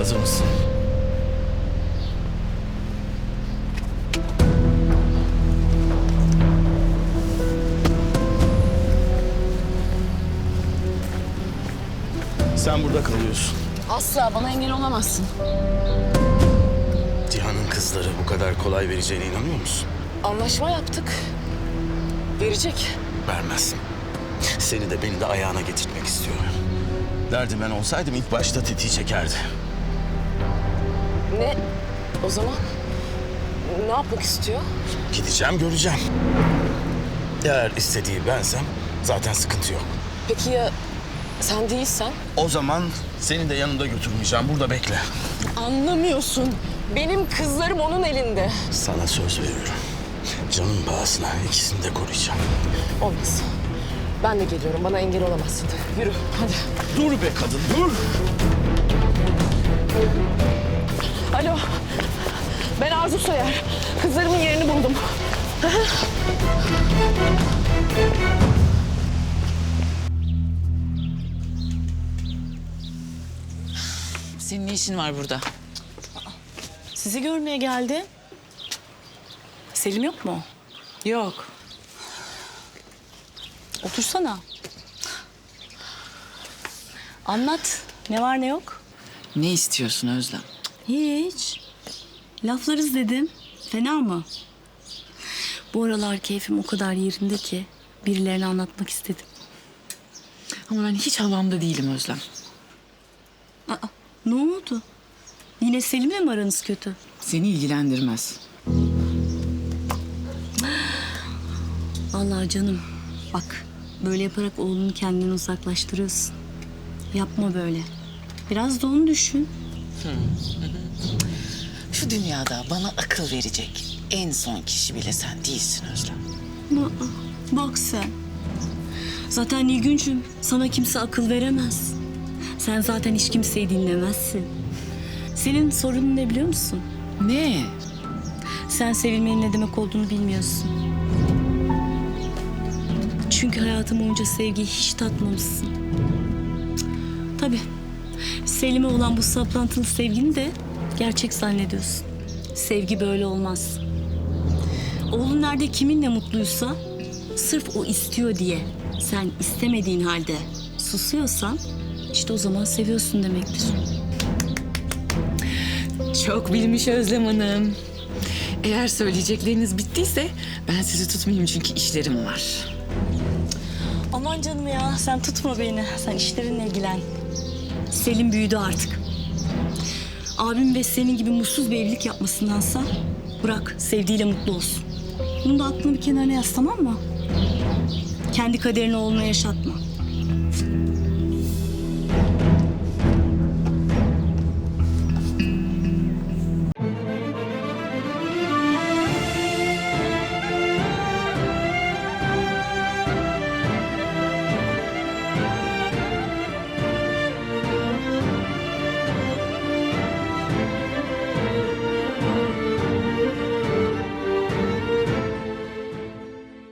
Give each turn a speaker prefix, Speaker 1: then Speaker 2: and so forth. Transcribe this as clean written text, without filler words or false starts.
Speaker 1: Hazır mısın? Sen burada kalıyorsun.
Speaker 2: Asla bana engel olamazsın.
Speaker 1: Cihan'ın kızları bu kadar kolay vereceğine inanıyor musun?
Speaker 2: Anlaşma yaptık. Verecek.
Speaker 1: Vermez. Seni de beni de ayağına getirtmek istiyor. Derdi ben olsaydım ilk başta tetiği çekerdi.
Speaker 2: Ne? O zaman ne yapmak istiyor?
Speaker 1: Gideceğim, göreceğim. Eğer istediği bensem zaten sıkıntı yok.
Speaker 2: Peki ya sen değilsen?
Speaker 1: O zaman seni de yanımda götürmeyeceğim. Burada bekle.
Speaker 2: Anlamıyorsun. Benim kızlarım onun elinde.
Speaker 1: Sana söz veriyorum. Canın pahasına ikisini de koruyacağım.
Speaker 2: Olmaz. Ben de geliyorum. Bana engel olamazsın. Yürü hadi.
Speaker 1: Dur be kadın, dur!
Speaker 2: Alo. Ben Arzu Soyer. Kızlarımın yerini buldum.
Speaker 3: Senin ne işin var burada?
Speaker 4: Sizi görmeye geldi. Selim yok mu?
Speaker 3: Yok.
Speaker 4: Otursana. Anlat. Ne var ne yok?
Speaker 3: Ne istiyorsun Özlem?
Speaker 4: Hiç. Laflarız dedim. Fena mı? Bu aralar keyfim o kadar yerinde ki birilerine anlatmak istedim.
Speaker 3: Ama ben hiç havamda değilim Özlem.
Speaker 4: Aa, ne oldu? Yine Selim'le mi aranız kötü?
Speaker 3: Seni ilgilendirmez.
Speaker 4: Vallahi canım bak böyle yaparak oğlunu kendinden uzaklaştırıyorsun. Yapma böyle. Biraz da onu düşün.
Speaker 3: Şu dünyada bana akıl verecek en son kişi bile sen değilsin Özlem.
Speaker 4: Aa, bak sen. Zaten Nilgüncüm sana kimse akıl veremez. Sen zaten hiç kimseyi dinlemezsin. Senin sorunun ne biliyor musun?
Speaker 3: Ne?
Speaker 4: Sen sevilmenin ne demek olduğunu bilmiyorsun. Çünkü hayatım boyunca sevgiyi hiç tatmamışsın. Tabii. Selim'e olan bu saplantılı sevgini de gerçek zannediyorsun. Sevgi böyle olmaz. Oğlun nerede kiminle mutluysa sırf o istiyor diye sen istemediğin halde susuyorsan işte o zaman seviyorsun demektir.
Speaker 3: Çok bilmiş Özlem Hanım. Eğer söyleyecekleriniz bittiyse ben sizi tutmayayım çünkü işlerim var.
Speaker 4: Aman canım ya sen tutma beni. Sen işlerinle ilgilen. Selim büyüdü artık. Abim ve senin gibi mutsuz bir evlilik yapmasındansa bırak sevdiğiyle mutlu olsun. Bunu da aklını bir kenarına yaz tamam mı? Kendi kaderini oğluna yaşatma.